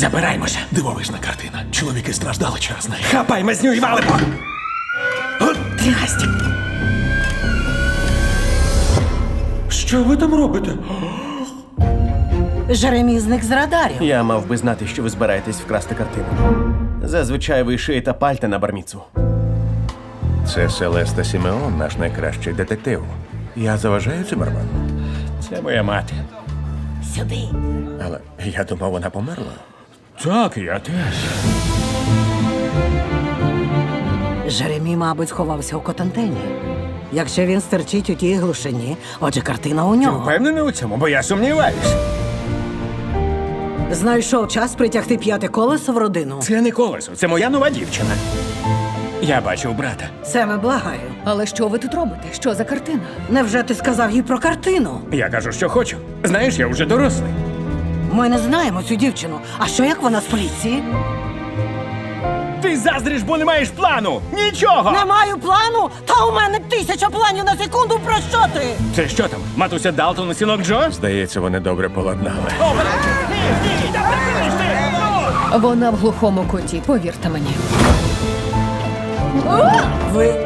Забираємося. Дивовижна картина. Чоловіки страждали через неї. Хапай мазню і валимо! От трясті! Що ви там робите? Жеремі зник з радарів. Я мав би знати, що ви збираєтесь вкрасти картину. Зазвичай ви шиєте пальта на барміцу. Це Селеста Сімеон, наш найкращий детектив. Я заважаю Циммерману? Це моя мати. Сюди. Але я думав, вона померла. Так, я теж. Жеремі, мабуть, сховався у Котантені. Якщо він стерчить у тій глушині, отже, картина у нього. Впевнений у цьому, бо я сумніваюсь. Знайшов час притягти п'яте колесо в родину. Це не колесо, це моя нова дівчина. Я бачив брата. Семе, благаю. Але що ви тут робите? Що за картина? Невже ти сказав їй про картину? Я кажу, що хочу. Знаєш, я вже дорослий. Ми не знаємо цю дівчину. А що як вона з поліції? Ти заздриш, бо не маєш плану! Нічого! Не маю плану? Та у мене 1000 планів на секунду. Про що ти? Це що там? Матуся Далтон і синок Джо? Здається, вони добре поладнали. Вона в глухому куті, повірте мені. Ви...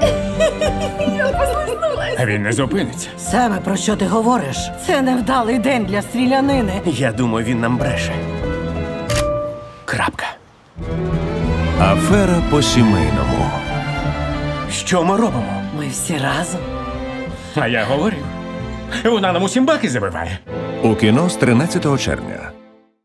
А він не зупиниться. Семе, про що ти говориш? Це невдалий день для стрілянини. Я думаю, він нам бреше. Крапка. Афера по-сімейному. Що ми робимо? Ми всі разом. А я говорив. Вона нам усім баки забиває. У кіно з 13 червня.